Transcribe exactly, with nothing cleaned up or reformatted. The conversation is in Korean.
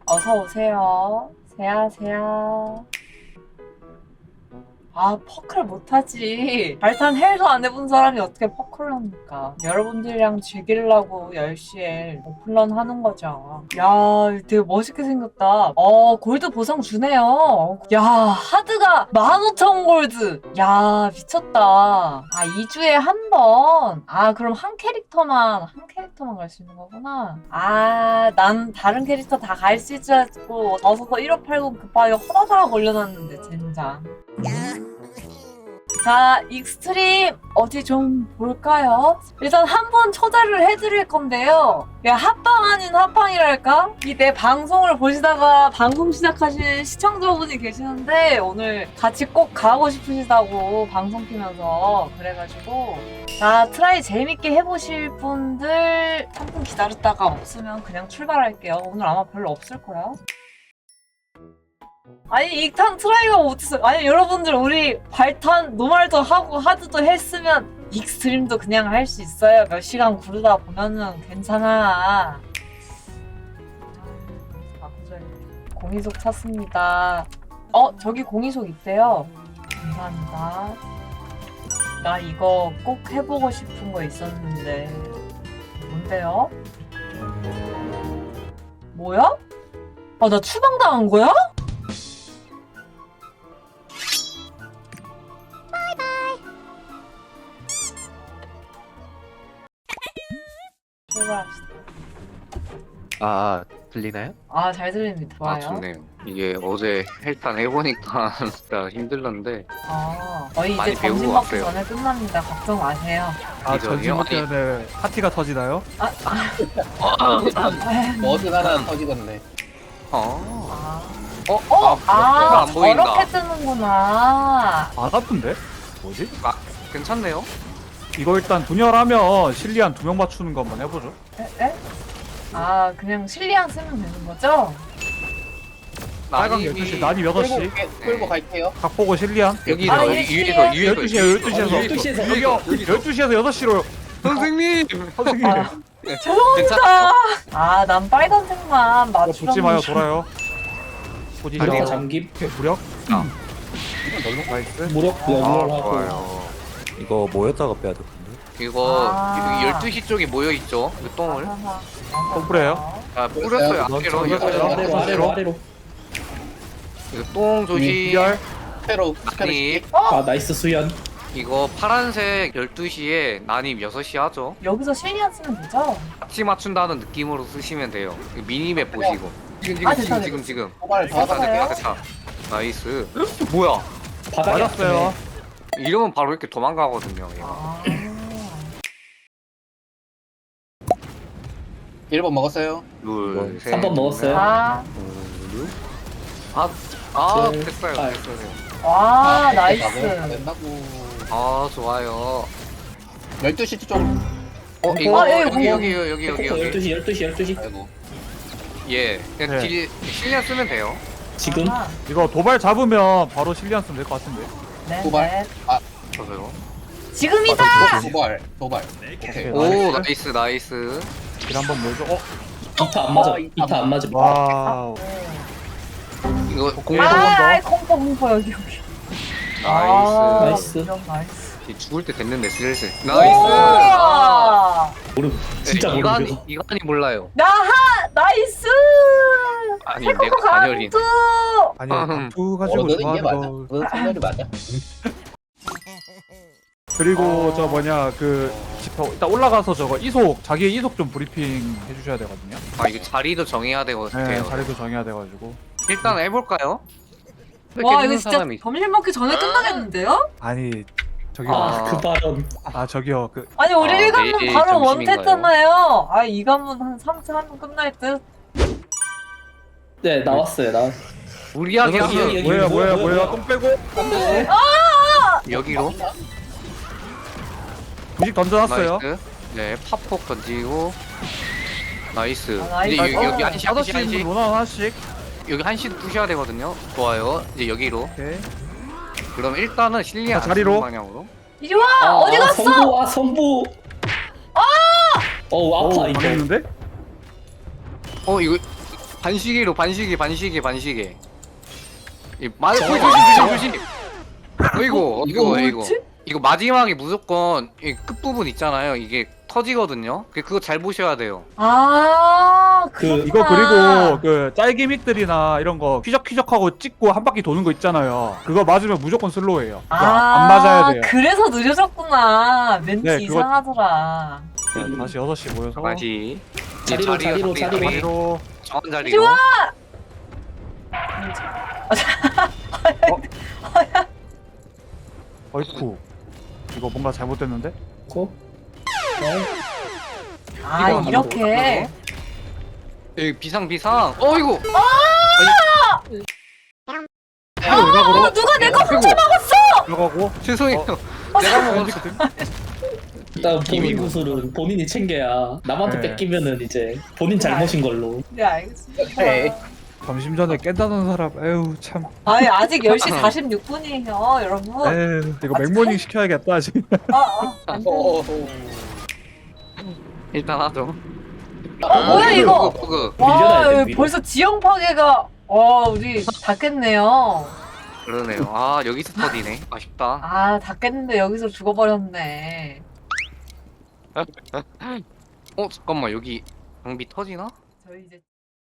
어서 오세요. 세야, 세야. 아, 퍼클 못하지. 발탄 헬도 안 해본 사람이 어떻게 퍼클을 합니까? 여러분들이랑 즐기려고 열 시에 오픈런 하는 거죠. 야, 되게 멋있게 생겼다. 어, 골드 보상 주네요. 야, 하드가 만 오천 골드. 야, 미쳤다. 아, 이 주에 한 번. 아, 그럼 한 캐릭터만, 한 캐릭터만 갈 수 있는 거구나. 아, 난 다른 캐릭터 다 갈 수 있을 줄 알고, 어서서 일오팔공 급하게 허다다가 걸려놨는데, 젠장. 자, 익스트림 어디 좀 볼까요? 일단 한 번 초대를 해드릴 건데요. 야, 합방 아닌 합방이랄까? 이 내 방송을 보시다가 방송 시작하신 시청자분이 계시는데 오늘 같이 꼭 가고 싶으시다고 방송 키면서 그래가지고 자, 트라이 재밌게 해보실 분들 삼 분 기다렸다가 없으면 그냥 출발할게요. 오늘 아마 별로 없을 거야. 아니 익탄 트라이가 못했어요. 아니 여러분들 우리 발탄 노말도 하고 하드도 했으면 익스트림도 그냥 할 수 있어요. 몇 시간 구르다 보면은 괜찮아. 공이속 찾습니다. 어 저기 공이속 있대요. 감사합니다. 나 이거 꼭 해보고 싶은 거 있었는데 뭔데요? 뭐야? 아 나 추방당한 거야? 출발합시다. 아, 들리나요? 아, 잘 들립니다. 좋아요. 아, 좋네요. 이게 어제 헬탄 해보니까 진짜 힘들었는데. 아, 거의 많이 이제 배우고 점심 먹기 왔어요. 전에 끝납니다. 걱정 마세요. 아 이전이요? 전지 먹기전에 파티가 터지나요? 아, 뭐든 하나 터지겠네. 어. 아, 어? 어, 아, 아, 안 보인다. 저렇게 뜨는구나. 아 같은데? 뭐지? 아, 괜찮네요. 이거 일단 분열하면 실리안 두 명 맞추는 거 한번 해보죠. 에? 에? 아, 그냥 실리안 쓰면 되는 거죠? 빨강 난입이- 열두 시, 난이 여섯 시. 끌고, 끌- 끌고 갈게요. 각 보고 실리안. 여기서 아, 여기 이게 위에서 위에서 열두 시에 열두 시에서 열두 시에서 여기요. 열두 시에서 여섯 시로 선생님. 선생님. 아, 네, 죄송합니다. 괜찮아요? 아, 난 빨간색만 이거 맞추려고. 붙지 마요, 돌아요. 무력 포지션. 잠김, 무력. 아. 나이스. 무력 아, 연결하고. 좋아요. 이거 모였다가 빼야 될 텐데. 이거 아. 여기 열두 시 쪽에 모여 있죠. 그 똥을. 똥 뿌려요? 아, 뿌렸어요. 뿌렸어요. 앞뒤로. 뿌렸어요. 이거 아래로 아래로 아래로 아래로. 이거 똥 조심. 비열. 스페로 스페로 난입. 아 나이스 수연. 이거 파란색 열두 시에 난입 여섯 시 하죠. 여기서 실리안 쓰면 되죠? 같이 맞춘다는 느낌으로 쓰시면 돼요. 이거 미니맵 보시고. 지금 지금 아, 됐다, 지금 됐다. 지금 지금. 도발 됐다 다 맞아요? 됐다 됐다. 나이스. 뭐야? 바닥에 맞았어요. 이러면 바로 이렇게 도망가거든요. 얘가. 아. 일 번 먹었어요. 둘, 셋. 삼 번 먹었어요. 아, 아, 아 셋, 됐어요. 팔. 됐어요. 와, 아, 나이스. 된다고. 아 좋아요. 열두 시 쪽. 어 이거 아, 예, 여기 이거. 여기 여기 여기 열두 여기. 시 열두 시 열두 시. 아이고. 예. 그냥 네. 딜 실력 쓰면 돼요. 지금 아, 이거 도발 잡으면 바로 실리안 쓰면 될 것 같은데. 네, 도발. 네. 저도요. 지금이다! 도발 도발. 오케이. 오 나이스 나이스. 길 한번 몰죠. 어, 이타 안 맞아. 이타 안 맞음. 와우. 이거 공이 공 한 번 더. 아, 공포, 공포, 여기, 여기. 나이스. 나이스. 이런 나이스. 죽을 때 됐는데 슬슬. 오! 나이스. 아, 모름. 진짜 네, 이간이 모름. 이간이 몰라요. 나하! 나이스! 아니 세컨도 내가 간열이. 강투! 아니, 음. 두 어, 가지고 너는 이게 맞아. 좋아하는 거. 너는 생각이 맞아. 그리고 아. 저 뭐냐 그 저 일단 올라가서 저거 이속 자기의 이속 좀 브리핑 해주셔야 되거든요. 아 이거 자리도 정해야 되거든요. 네, 자리도 정해야 돼가지고. 일단 해볼까요? 와, 이렇게 이거 진짜 사람이- 점심 먹기 전에 끝나겠는데요? 아니 저기요. 아. 아 그 발언. 아 저기요 그 아니, 우리 아, 일 관문 내일 바로 점심인가요? 원했잖아요. 아, 이 관문 한 삼 차 하면 끝날 듯. 네 나왔어요. 나. 무리하게 여기, 하면 여기, 여기. 뭐야 뭐야 뭐야, 뭐야 뭐야. 똥 빼고 여기로 부식 던져놨어요. 나이스. 네 팝폭 던지고 나이스. 아, 이제 나이스. 여기, 여기 한시 다섯 한시 시 한시 문화 하나씩. 여기 한시 부셔야 되거든요. 좋아요. 이제 여기로. 오케이. 그럼 일단은 실리안 자, 자리로. 방향으로. 이리 와! 어디 갔어? 성부 아 성부. 아. 어우 오 아파 이거. 망했는데? 어 이거 반시계로 반시계 반시계 반시계. 이 마, 조심 조심 조심 조심. 어이구 이거 이거 뭐지? 이거 마지막에 무조건 이 끝부분 있잖아요. 이게 터지거든요. 그- 그거 잘 보셔야 돼요. 아, 그- 그렇구나. 이거 그리고 그 짤기믹들이나 이런 거 휘적휘적하고 찍고 한 바퀴 도는 거 있잖아요. 그거 맞으면 무조건 슬로우예요. 그거 안 맞아야 돼요. 그래서 느려졌구나. 멘트 네, 그거- 이상하더라. 자, 다시 여섯 시 모여서 다시 자리로, 자리로, 자리로. 자리로 정한 자리로. 좋아! 어이쿠 이거 뭔가 잘못됐는데? 고. 아, 이거 이렇게. 여기 비상 비상. 어이구. 이거 외곽으로 어, 누가 내 거 아이고 들어가고 죄송해요. 어, 내가 먹었어. 왠지거든? 일단 본인 이거. 구슬은 본인이 챙겨야 남한테 네. 뺏기면은 이제 본인 잘못인 걸로. 네, 알겠습니다. 네. 점심 전에 깬다는 사람 에휴 참 아니, 아직 열 시 사십육 분이에요, 여러분. 에휴 이거 맥모닝 시켜야겠다 아직. 아, 아, 안 돼. 일단 하죠. 어, 뭐야, 이거? 버그. 와, 밀려나야 돼, 여기 밀어. 벌써 지형 파괴가, 와, 우리 다 깼네요. 그러네요. 아 여기서 터지네. 아쉽다. 아, 다 깼는데 여기서 죽어버렸네. 어 잠깐만 여기 장비 터지나? 저희 이제